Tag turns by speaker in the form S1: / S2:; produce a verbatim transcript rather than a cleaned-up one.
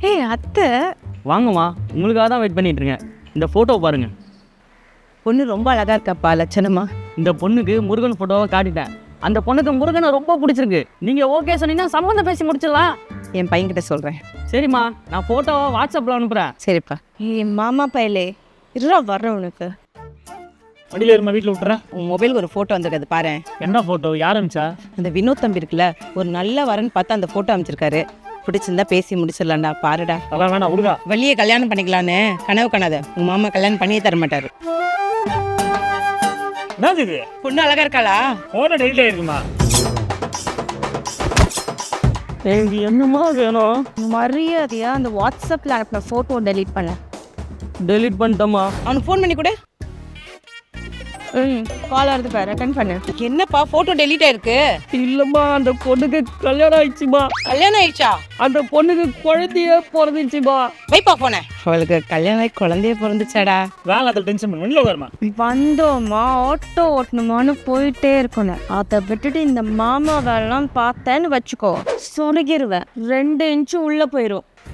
S1: ஏய் அத்தை,
S2: வாங்கம்மா, உங்களுக்காக தான் வெயிட் பண்ணிட்டு இருக்கேன். இந்த ஃபோட்டோ பாருங்க.
S1: பொண்ணு ரொம்ப அழகா இருக்காப்பா, லட்சணமா.
S2: இந்த பொண்ணுக்கு முருகன் ஃபோட்டோவை காட்டிட்டேன். அந்த பொண்ணுக்கு முருகனை ரொம்ப பிடிச்சிருக்கு. நீங்கள் ஓகே சொன்னீங்கன்னா சம்மந்தம் பேசி முடிச்சிடலாம்.
S1: என் பையன்கிட்ட சொல்கிறேன்.
S2: சரிம்மா, நான் ஃபோட்டோவை வாட்ஸ்அப்பில் அனுப்புகிறேன்.
S1: சரிப்பா. ஏய் மாமா பயலே, இருடா வர்றேன் உனக்கு.
S3: வண்டியில் இருமா, வீட்டில் விட்டுறேன்.
S1: உன் மொபைலுக்கு ஒரு ஃபோட்டோ வந்திருக்காது பாரு.
S3: என்ன ஃபோட்டோ? யார் அனுப்பிச்சா?
S1: அந்த வினோத் தம்பி இருக்குல்ல, ஒரு நல்ல வரன்னு பார்த்து அந்த ஃபோட்டோ அமைச்சிருக்காரு. பிடிச்சிருந்தா பேசி முடிச்சிடலாம்டா, பாருடா.
S3: அதான் வேணா விடுதா.
S1: வள்ளியை கல்யாணம் பண்ணிக்கலான்னு கனவு காணாத. உன் மாமா கல்யாணம் பண்ணியே தர மாட்டாரு.
S3: என்னது இது?
S1: பொண்ணு அழகா இருக்காளா?
S3: ஃபோட்டோ டெலிட் ஆயிருக்குமா?
S2: எனக்கு என்னம்மா வேணும்?
S4: மரியாதையா அந்த வாட்ஸ்அப்பில் அனுப்பின ஃபோட்டோ டெலீட் பண்ண.
S2: டெலிட் பண்ணிட்டோமா?
S1: அவனுக்கு ஃபோன் பண்ணி கொடு.
S4: ம் கால் வருது பாரு, அட்டன் பண்ணு.
S1: என்னப்பா ஃபோட்டோ டெலீட் ஆயிருக்கு?
S2: இல்லைம்மா, அந்த பொண்ணுக்கு கல்யாணம் ஆயிடுச்சுமா.
S1: கல்யாணம் ஆயிடுச்சா?
S2: அந்த பொண்ணுக்கு குழந்தைய பிறந்துச்சுமா.
S1: வைப்பா போன. அவளுக்கு கல்யாணம் ஆகி குழந்தைய பிறந்துச்சாடா.
S3: வேலை அதில் டென்ஷன் பண்ணி வண்டியில் உட்காருமா.
S4: வந்தோமா ஆட்டோ ஓட்டணுமான்னு போயிட்டே இருக்கணும். அதை விட்டுட்டு இந்த மாமா வேலைலாம் பார்த்தேன்னு வச்சுக்கோ, சொருகிருவேன். ரெண்டு இன்ச்சு உள்ள போயிடும்.